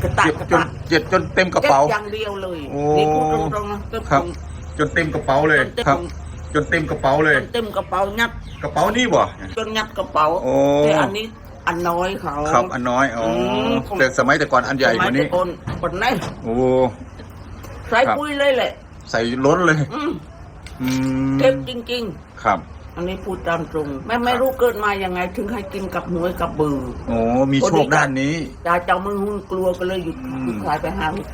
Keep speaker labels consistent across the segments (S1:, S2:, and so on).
S1: กระตากกระตาก
S2: จนเต็มกระเป๋า
S1: อย่างเดียวเลย
S2: โอ้
S1: นี่พูดตรงๆนะ
S2: ครับ จนเต็มกระเป๋าเลยครับ จนเต็มกระเป๋าเลย
S1: เต็มกระเป๋ายัด
S2: กระเป๋านี่บ่
S1: จนยัดกระเป๋า
S2: โอ้
S1: แต่อันนี้อันน้อยเขา
S2: ครับอันน้อยอ๋อแต่สมัยแต่ก่อนอันใหญ่กว่านี้
S1: สมัยแต่คนไหน
S2: โอ้
S1: ใส่ปุ้ยเลยแหละ
S2: ใส่ล้นเลย อืม
S1: เก็บจริง
S2: ครับ
S1: ๆ อันนี้พูดตามตรงไม่รู้เกิดมายังไงถึงให้กินกับหวยกับเบือ
S2: โอ้มีโชคด้านนี้
S1: ยายเจ้ามือหุ้นกลัวก็เลยหยุดขายไป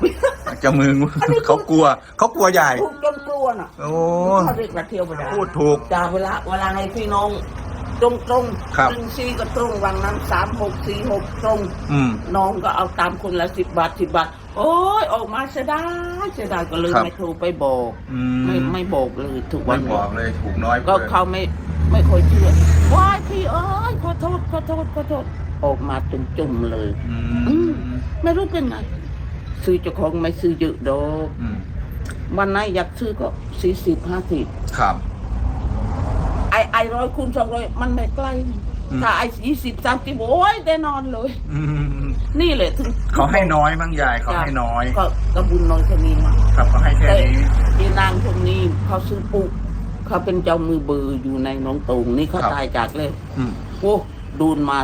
S1: 5
S2: เจะมือเขากลัวใหญ่
S1: ถูกจนกลัวน่ะ
S2: โอ้
S1: เขาเรียกว่าเที่ยวไปได้
S2: พูดถูก
S1: จ้าเวลาให้พี่น้องตรง
S2: ครับ
S1: 1 4ก็ตรงวังนั้น3 6 4 6ตรง
S2: อืม
S1: น้องก็เอาตามคนละ10 บาทโอ้ยออกมาเสียดายก็เลย
S2: ครับ
S1: ไม่โทรไปบอก
S2: อืม
S1: ไม่บอกเลยทุกวั
S2: ไม่
S1: น
S2: บอกเลยถูกน้อย
S1: ก็
S2: เลย
S1: เขาไม่ค่อยเชื่อว้ายพี่เอ้ยขอโทษออกมาจุ่มๆเลย
S2: อืม
S1: ไม่รู้เป็นไงซื้อเจ้าของไม่ซื้อเยอะดอก
S2: อืม
S1: วันไหนอยากซื้อก็40-50
S2: ครับ
S1: ไอ100 คูณ 200มันไม่ใกล้
S2: อืม
S1: ถ้าไอ20-30โอ้ยได้นอนเลย
S2: อืม
S1: นี่แหละถึง
S2: เขาให้น้อยมั้งยายเขาให้น้อย
S1: ก็บุญน้อยแค่นี้มา
S2: ครับเขาให้แค่
S1: แต่
S2: นี้
S1: อีนางคนนี้เขาซื้อปุ๊กเขาเป็นเจ้ามือเบอร์อยู่ในหนองตูงนี่เขาตายจากเลย
S2: อืม
S1: โอ้ดูนมา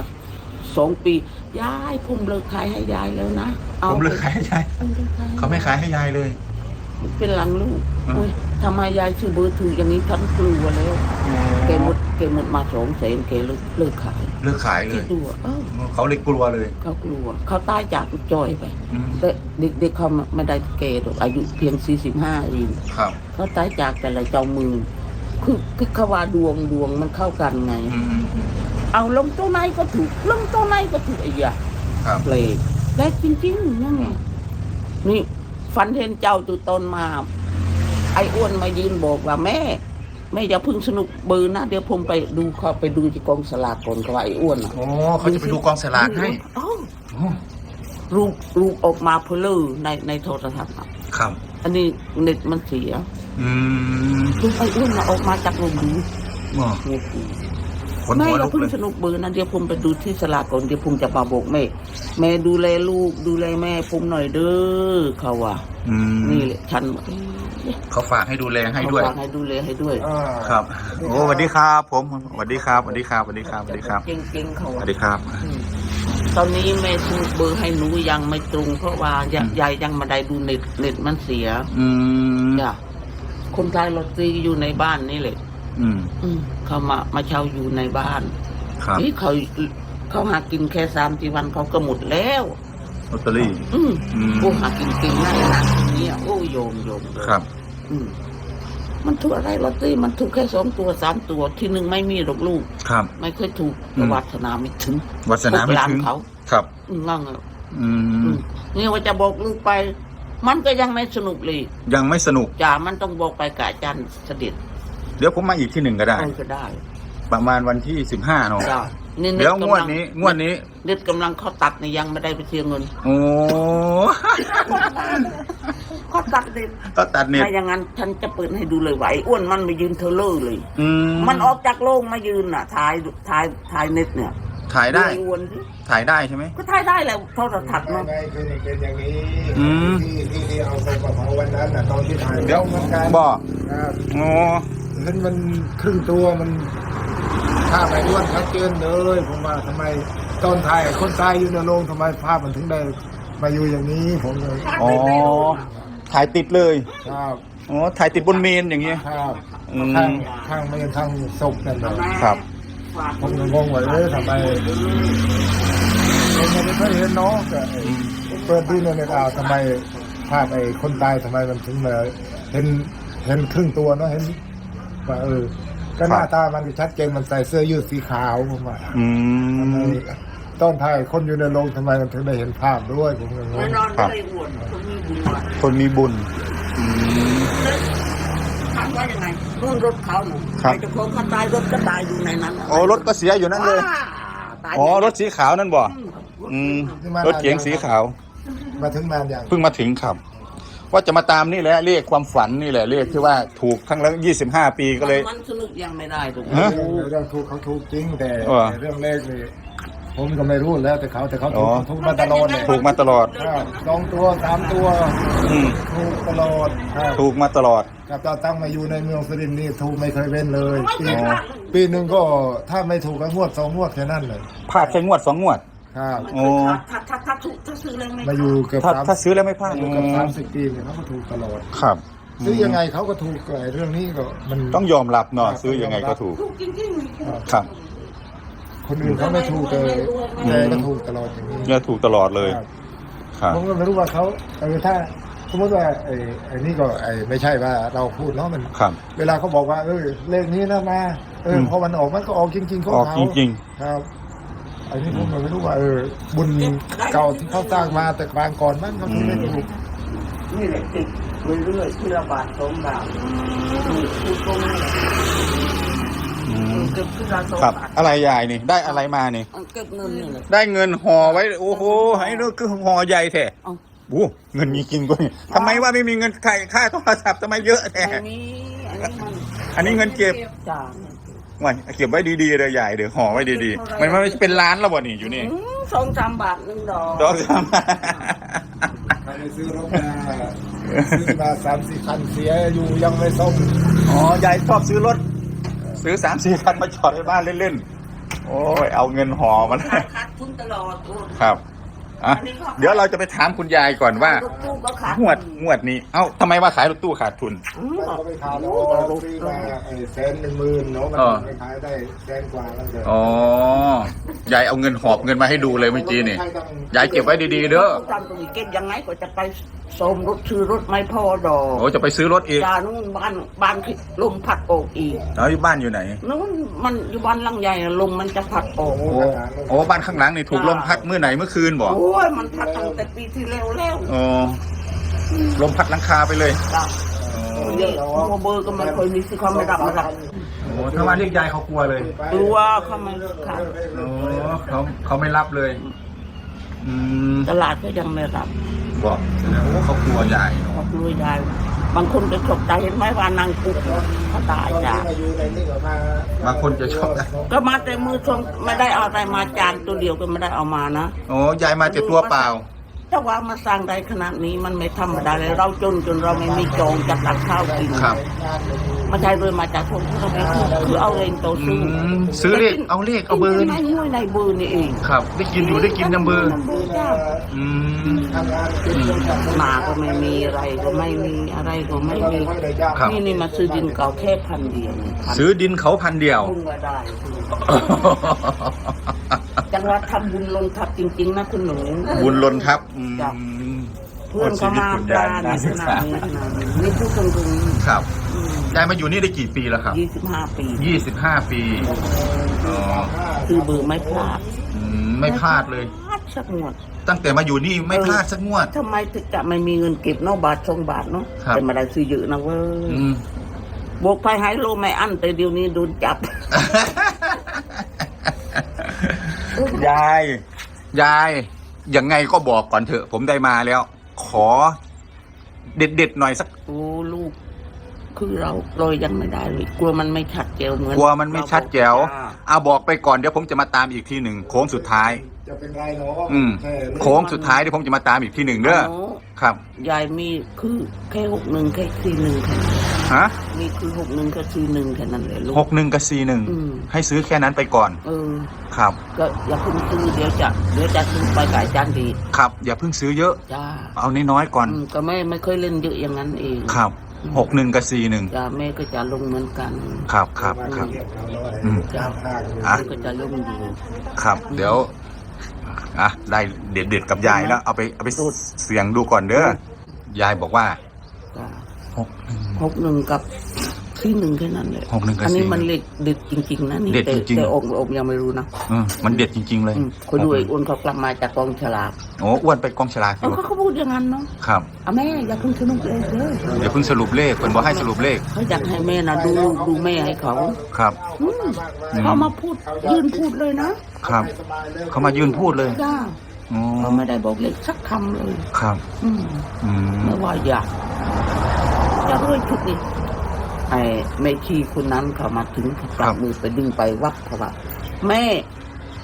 S1: 2 ปียายผมเลิกขายให้ยายแล้วนะ
S2: ผมเลิกขายให้ยายเขาไม่ขายให้ยายเลย
S1: เป็นหลังลูก
S2: อืม
S1: โอ้ยทำไมยายชื่อเบอร์ถืออย่างนี้ฉันกลัวแล้วแกหมดมา200,000แกเลิกขาย
S2: เลิกขายเล
S1: คิด
S2: ย
S1: ดูอะเอ้า
S2: เขาเลยกลัวเลย
S1: เขากลัวเขาตายจากจอยไป
S2: อืม
S1: แต่เด็กเขาไม่ได้แก่หรอกอายุเพียง45เอง
S2: ครับ
S1: เขาตายจากแต่ละเจ้ามือคือเขาว่าดวงมันเข้ากันไง
S2: อืม
S1: เอาลงตัวไหนก็ถูกลงตัวไหนก็ถูกไอ้ยา
S2: ครับ
S1: เลยได้จริงๆนั่นไงนี่ฝันเห็นเจ้าตัวตนมาไอ้อ้วนมายืนบอกว่าแม่อย่าเพึ่งสนุกเบอร์นะเดี๋ยวผมไปดูเขาไปดูที่กองสลากก่อนเขาว่าไอ้อ้วนอ่ะ
S2: โอ้เขาจะไปดูกองสลากให้
S1: อ้าว
S2: โอ้
S1: รูปออกมาเพลอในโทรทัศน์อะ
S2: ครับ
S1: อันนี้เน็ตมันเสีย
S2: อืม
S1: รูปไอ้อ้วนมาออกมาจากโรงดู
S2: อ๋อ
S1: โอ้โห
S2: ขน
S1: แม่
S2: หัว
S1: อย่า
S2: ลุก
S1: เพิ่ง
S2: เลย
S1: สนุกเบอร์นะเดี๋ยวผมไปดูที่สลากก่อนเดี๋ยวผมจะมาบอกแม่ดูแลลูกดูแลแม่ผมหน่อยเด้อเขาว่า
S2: อืม
S1: นี่แหละฉัน
S2: เขาฝากให้ดูแลให้ด้วย
S1: เขาฝากให้ดูแลให้ด้วย
S2: ครับ โอ้สวัสดีครับ ผมสวัสดีครับสวัสดีครับสวัสดีครับสวัสดีครับ
S1: เก่งๆเขา
S2: สวัสดีครับ
S1: ตอนนี้แม่สนุกเบอร์ให้หนูยังไม่ตรงเพราะว่ายายยังมาได้ดูเน็ตมันเสีย
S2: อืม
S1: จ้ะคนไทยลอตเตอรี่อยู่ในบ้านนี่แหละ
S2: อืม
S1: เขามาเช่าอยู่ในบ้าน
S2: ครับ
S1: นี่เขาหากินแค่3-4 วันเขาก็หมดแล้ว
S2: ลอตเตอรี่
S1: อืม
S2: อืม
S1: โอ้หากินเก่งมากนะเนี่ยโอ้โยม
S2: ครับ
S1: อืมมันถูกอะไรลอตเตอรี่มันถูกแค่2 ตัว 3 ตัวที่หนึ่งไม่มีหรอกลูก
S2: ครับ
S1: ไม่เคยถูก
S2: อืม
S1: วัฒนาไม่ถึง
S2: วัฒนาไม่
S1: 6 ล้าน
S2: ถึง
S1: เขา
S2: ครับ
S1: งั้งอ่ะ
S2: อืม
S1: นี่ว่าจะบอกลูกไป มันก็ยังไม่สนุกเลย
S2: ยังไม่สนุก
S1: จ่ามันต้องบอกไปกับอาจารย์เสด็จ
S2: เดี๋ยวผมมาอีกที่หนึ่งก็ได้
S1: เอาก็ได้
S2: ประมาณวันที่15เนาะ
S1: จ้านี่
S2: เดี๋ยวงวดนี้
S1: เน็ตกำลังเขาตัดนี่ยังไม่ได้ไปเสียเงิน
S2: โอ้
S1: เขาตัดเน็ต
S2: ก็ตัดเน็ต
S1: ถ้าอย่างนั้นฉันจะเปิดให้ดูเลยไหวอ้วนมันมายืนเทเลอร์เลย
S2: อืม
S1: มันออกจากโรงมายืนน่ะถ่ายเน็ตเนี่ย
S2: ถ่ายได้
S1: อ้วนสิ
S2: ถ่ายได้ใช่ไหม
S1: ก็ถ่ายได้แหละโทรทัศน์
S3: ยั
S1: เนาะ
S3: งไงคือมันเป็นอย่างนี้
S2: อืม
S3: ที่เอาไปกระเป๋าวันนั้นน่ะตอนที่ถ่าย
S2: เดี๋ยว
S3: เหมือนกัน
S2: บ่
S3: ครับ
S2: โอ้
S3: นั้นมันครึ่งตัวมันภาพไอ้อ้วนชัดเจนเลยผมว่าทำไมตอนถ่ายคนตายอยู่ในโรงทำไมภาพมันถึงได้มาอยู่อย่างนี้ผมเลย
S2: อ๋อถ่ายติดเลย
S3: ครับ
S2: อ๋อถ่ายติดบนเมนอย่างเงี้ย
S3: ครับ
S2: อืม
S3: ข้างไม่ข้างศพนั่นเลย
S2: ครับ
S3: ผมก็งงว่าทำไมผมไม่เคยเห็นเนาะแต่เปิดดูในเน็ตเอาทำไมภาพไอ้คนตายทำไมมันถึงมาเห็นครึ่งตัวเนาะเห็นว่าก็หน้าตามันชัดเจนมันใส่เสื้อยืดสีขาวผมว่า
S2: อื
S3: ทำไม
S2: ม
S3: ต้นถ่ายคนอยู่ในโรงทำไมมันถึงได้เห็นภาพด้วยผมก็ง
S1: ไม่
S3: ง
S1: นอนก็เลยอ้วนคนมีบุญว่ะ
S2: คนมีบุญอืม
S1: ถามว่ายังไงรุ่นรถเขาหนู
S2: ครับ
S1: ใครจะโค้งเขาตายรถก็ตายอยู่ในนั้นน่ะ
S2: โอ้รถก็เสียอยู่นั่นเลย
S1: ว้าตาย
S2: อ๋อรถสีขาวนั่นบ่อืมรถเก๋งสีขาว
S3: มาถึงนานอย่าง
S2: เพิ่งมาถึงครับ ว่าจะมาตามนี่แหละเรียกความฝันนี่แหละเรียกที่ว่าถูกครั้งละ25 ปีก็เลย
S1: มันสนุกยังไม่ได้ถูกไหม
S2: ฮะ
S3: เรื่องถูกเขาถูกจริงแต่
S2: เออ
S3: เรื่องเลขนี่ผมก็ไม่รู้แล้วแต่เขา
S2: อ๋อ
S3: ถูกมาตลอดเลย
S2: ถูกมาตลอด
S3: ครับ2 ตัว 3 ตัว
S2: อืม
S3: ถูกตลอดครับ
S2: ถูกมาตลอด
S3: กับตอนตั้งมาอยู่ในเมืองสุรินทร์นี่ถูกไม่เคยเว้นเลยปี
S2: อ๋อ
S3: ปีหนึ่งก็ถ้าไม่ถูกก็งวด2 งวดแค่นั้นเลย
S2: พลาดแค่งวด2 งวด
S3: ครับ
S2: โอ้
S1: ถ้าถูกถ้าซื้อเลยไม่
S3: มาอยู่เกือบ
S2: ถ้าซื้อแล้วไม่พลาด
S3: อยู่เกือบ30 ปีเนี่ยเขาก็ถูกตลอด
S2: ครับ
S3: ซื้อยังไงเขาก็ถูกไอ้เรื่องนี้ก็มัน
S2: ต้องยอมรับเนาะซื้อยังไงก็ถูก
S1: ถูกจริง
S2: ครับ
S3: คนอื่นเขาไม่ถูกเลยแต่ก็ถูกตลอดอย่างนี้
S2: เนี่ยถูกตลอดเลย
S3: ครับ
S2: ครับ
S3: ผมก็ไม่รู้ว่าเขาถ้าสมมติว่าไอ้นี่ก็ไม่ใช่ว่าเราพูดเนาะมัน
S2: ครับ
S3: เวลาเขาบอกว่าเลขนี้นะมาพอมันออกมันก็ออกจริงๆของ
S2: ออก
S3: เขา
S2: จริง
S3: ครับอันนี้ผมก็ไม่รู้ว่าบุญเก่าที่เขาสร้างมาแต่บางก่อนมันเขาถึงไม่ถูก
S1: ๆนี่แหละติดเรื่อยๆที่ละบาท2 บาทถูกตรงนี้
S2: ๆอืม
S1: เก็บที่ละ2
S2: ครับ
S1: บาท
S2: อะไรยายนี่ ได้อะไรมานี่
S1: เก็บเงินนี่แหละ
S2: ได้เงินห่อไว้ โอ้โหให้นึกคือห่อใหญ่แท้
S1: เอา
S2: โอ้เงินมีจริงด้วยทำไมว่าไม่มีเงินค่าโทรศัพท์ทำไมเยอะแท้
S1: อันนี้มัน
S2: อันนี้เงินเก็บ
S1: จ้า
S2: ว่าเก็บไว้ดีๆเลยใหญ่เดี๋ยวห่อไว้ดีๆมันไม่เป็นล้านแล้วบ่นี่อยู่นี่
S1: 2-3 บาท1 ดอก
S2: ดอกสาม
S3: เขาไปซื้อรถมาซื้อมา3-4 คันเสียอยู่ยังไม่ซ่อม
S2: อ๋อยายชอบซื้อรถ ซื้อ3-4 คันมาจอดไว้บ้านเล่นๆ โอ้ยเอาเงินห่อมัน
S1: ขาดทุนตลอด
S2: ครับอ่ะเดี๋ยวเราจะไปถามคุณยายก่อนว่า
S1: รถตู้ก็ขาด
S2: งวดนี้ เอ้าทำไมว่าขายรถตู้ขาดทุน
S3: เขาไปขายแล้วเราซื้อมา110,000เนาะมันไปขายได้100,000 กว่าแล้วเกิน
S2: อ๋อยายเอาเงินหอบเงินมาให้ดูเลยเมื่อกี้นี่ ยายเก็บไว้ดีๆเด้อ
S1: ทำตรงนี้เก็บยังไงก็จะไปส่งรถซื้อรถไม่พอดอก
S2: โอ้จะไปซื้อรถอีก
S1: จานู่นบ้านที่ลมพัดออกอีก
S2: แล้วบ้านอยู่ไหน
S1: นู้นมันอยู่บ้านหลังใหญ่ลมมันจะพัดออก
S2: โอ้บ้านข้างหลังนี่ถูกลมพัดเมื่อไหนเมื่อคืนบ่
S1: โอ้ยมันพัดตั้งแต่ปีที่แล้วแล้ว
S2: อ๋อลมพัดหลังคาไปเลย
S1: จ้ะเยอะโมเบอร์ก็ไม่เคยมีสิเขาไม่รับ
S2: โอ้ถ้ามาเรียกยายเขากลัวเลย
S1: กลัวเขาไม่ขาด
S2: โอ้เขาไม่รับเลย อืม
S1: ตลาดก็ยังไม่รับ
S2: บอกโอ้เขากลัวยายเนาะ
S1: เขากลัวยายบางคนจะตกใจเห็นไหมว่านางกุ๊กเขาตายจ้ะ
S2: บางคนจะชอบ
S1: ก็มาแต่มือทรงไม่ได้เอาอะไรมาจานตัวเดียวก็ไม่ได้เอามานะ
S2: โอ้ยายมาแต่ตัวเปล่า
S1: ถ้าว่ามาสร้างได้ขนาดนี้มันไม่ธรรมดาเลยเราจนเราไม่มีจองจะตักข้าวกิน
S2: ครับ
S1: มาใช้เลยมาจากคนที่เราไม่คือเอาเองโตซื้อ
S2: ซื้อเลขเอาเลขเอาเบอร์
S1: ใน
S2: นี่
S1: ในเบอร์นี่เอง
S2: ครับ ได้กินอยู่ได้กินยังเบอร์
S1: จ้า
S2: อืม
S1: หมาก็ไม่มีอะไรก็ไม่มีอะไรก็ไม่มี
S2: ครับ
S1: นี่มาซื้อดินเก่าแค่1,000 เดียว
S2: ซื้อดินเขา1,000 เดียว
S1: พุ่งมาได้จังหวัดทำบุญลงทับจริงๆนะคุณหนู
S2: บุญล้นครับ
S1: เพื่อนเขามาปลาในขนาดนี้นี่พูดตรงๆ
S2: ครับยายมาอยู่นี่ได้กี่ปีแล้วครับ
S1: 25 ปี
S2: 25 ปีอ๋อ
S1: คือเบอร์ไม่พลาด
S2: ไม่พลาดเลย
S1: พลาดสักงวด
S2: ตั้งแต่มาอยู่นี่ไม่พลาดสักงวด
S1: ทำไมถึงจะไม่มีเงินเก็บเนอกบาท2 บาทเนาะ
S2: ครับ
S1: แต่ไม่ได้ซื้อเยอะนะเว้ย
S2: อืม
S1: บกไปหายโลไม่อั้นแต่เดี๋ยวนี้โดนจับ
S2: ยายยังไงก็บอกก่อนเถอะ ผมได้มาแล้ว ขอ เด็ดหน่อยสัก
S1: โอ้ลูก คือเรายังไม่ได้เลยกลัวมันไม่ชัดแจ๋วเหมือน
S2: กลัวมันไม่ชัดแจ๋ว
S1: จ้า
S2: เอาบอกไปก่อนเดี๋ยวผมจะมาตามอีกทีหนึ่งโค้งสุดท้าย
S3: จะเป็นไรเนาะ
S2: โค้งสุดท้ายเดี๋ยวผมจะมาตามอีกทีหนึ่งเด้อ
S1: โ
S2: ครับ
S1: ยายมีคือแค่61แค่41แค่นั้น
S2: ฮะ
S1: มีคือ61แค่41แค่นั้นเลยลูก
S2: 61 กับ
S1: อืม
S2: 41ให้ซื้อแค่นั้นไปก่อน ครับ
S1: ก็อย่าเพิ่งซื้อเดี๋ยวจะซื้อไปขายจานดี
S2: ครับ อย่าเพิ่งซื้อเยอะ
S1: จ้า
S2: เอาน้อยๆก่อน
S1: ก็ไม่เคยเล่นเยอะอย่างนั้นเอง
S2: ครับ61 กับ 41
S1: จ้าแม่ก็จะลงเหมือนกัน
S2: ครับอืม
S1: จ้า
S2: อ่ะ
S1: แม่ก็จะลงอยู่
S2: ครับ เดี๋ยวอ่ะได้เด็ดๆกับยายแล้วเอาไปเสียงดูก่อนเด้อยายบอกว่า
S1: จ้า
S2: 61
S1: 61กับ41แค่นั้นเลย
S2: 61กับ
S1: อันนี้
S2: 41
S1: มันเด็ดจริงๆนะนี่
S2: เด็ดจริงๆ
S1: แต่องค์ยังไม่รู้นะ
S2: มันเด็ดจริงๆเลย
S1: คนดูไอ้อ้วนเขากลับมาจากกองฉลาก
S2: โอ้อ้วนไปกองฉลากอยู่
S1: เขาพูดอย่างนั้นเนาะ
S2: ครับ
S1: อ่ะแม่อย่าเพิ่งสนุกเลยเด้อ
S2: เดี๋ยวเพิ่งสรุปเลขเพิ่นบอกให้สรุปเลข
S1: เขาอยากให้แม่นะดูแม่ให้เขา
S2: ครับ
S1: เขามาพูดยืนพูดเลยนะครับ
S2: เขามายืนพูดเลย
S1: จ้า
S2: อ๋อ
S1: เขาไม่ได้บอกเล็กสักคำเลย
S2: ครับ
S1: อืม
S2: อืม
S1: ไม่ว่าอยากจะด้วยชุดนี้ไอ้แม่ชีคนนั้นเขามาถึงเขาจับมือไปดึงไปวัดเขาว่าแม่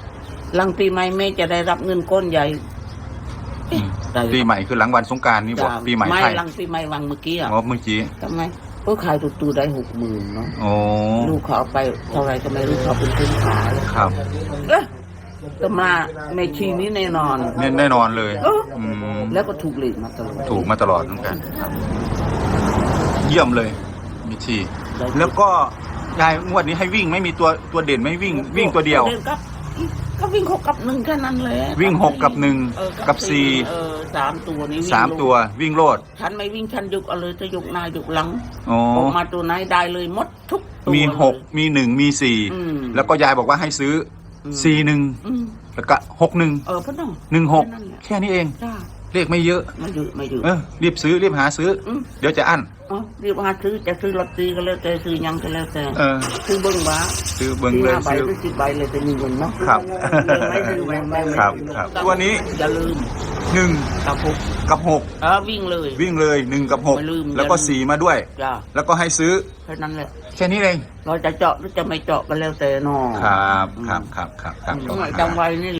S1: หลังปีใหม่แม่จะได้รับเงินก้อนใหญ่เอ๊ะได้
S2: ปีใหม่คือหลังวันสงกรานต์นี่บอก
S1: จ้ะ
S2: ปีใหม่
S1: ไม่
S2: ไทย
S1: หลังปีใหม่วังเมื่อกี้อ่ะ
S2: อ๋อเมื่อกี้
S1: ทำไมก็ขายตูได้60,000เนาะ
S2: โอ้
S1: ลูกเขาเอาไปเท่าไรก็ไม่รู้เขาเป็นคนขาย
S2: ครับ
S1: เอ๊ะแต่มาในชีนี้แน่นอน
S2: แน่นอนเลย
S1: เออ
S2: อืม
S1: แล้วก็ถูกหลีกมาตลอด
S2: ถูกมาตลอดเหมือนกันครับ เยี่ยมเลยมิชี
S1: ได้
S2: แล้วก็ยายงวดนี้ให้วิ่งไม่มีตัวเด่นไม่วิ่งตัวเดียว
S1: นก็วิ่ง6 กับ 1แค่นั้นแหละ
S2: วิ่ง6 กับ
S1: เออ
S2: 1 กับ
S1: 3 ตัวนี้วิ่ง
S2: 3 ตัววิ่งโลด
S1: ฉันไม่วิ่งฉันยกเอาเลยจะยกหน้ายกหลัง
S2: อ๋อ
S1: ออกมาตัวไหนได้เลยหมดทุกตัว
S2: มี
S1: เลย
S2: 6 มี1 มี
S1: อืม
S2: 4 แล้วก็ยายบอกว่าให้ซื้อ
S1: อืม
S2: 41 แล้วก็ 61
S1: พ่อน้อง
S2: 16 แค่นี้เอง
S1: จ้า
S2: เลขไม่เยอะ
S1: ไม่เยอะ
S2: รีบซื้อรีบหาซื้ออ
S1: ม
S2: เดี๋ยวจะอั้น
S1: อ๋อรีบมาซื้อจะซื้อลอตเตอรี่ก็แล้วแต่ซื้อหยังก็แล้วแต่
S2: เออ
S1: ซื้อเบิ้งบ้า
S2: ซื้อเบิ่งเลย
S1: 5 ใบ
S2: ซื้อ
S1: หรือ10 ใบเลยจะมีเงินเนาะ
S2: ครับ
S1: ไม่ซื้อไม่
S2: ครับครับตัวนี้
S1: อย่าลืม
S2: 1
S1: กับ
S2: กับ
S1: วิ่งเลย
S2: 6 วิ่งเลย 1 กับ
S1: ไม่ลืม
S2: 6 แล้วก็ 4 มาด้วย
S1: จ้า
S2: แล้วก็ให้ซื้อ
S1: แค่นั้นแหละ
S2: แค่นี้เอง
S1: เราจะเจาะหรือจะไม่เจาะก็แล้วแต่เนอ
S2: ครับครับครับครับครับ
S1: จำไว้นี่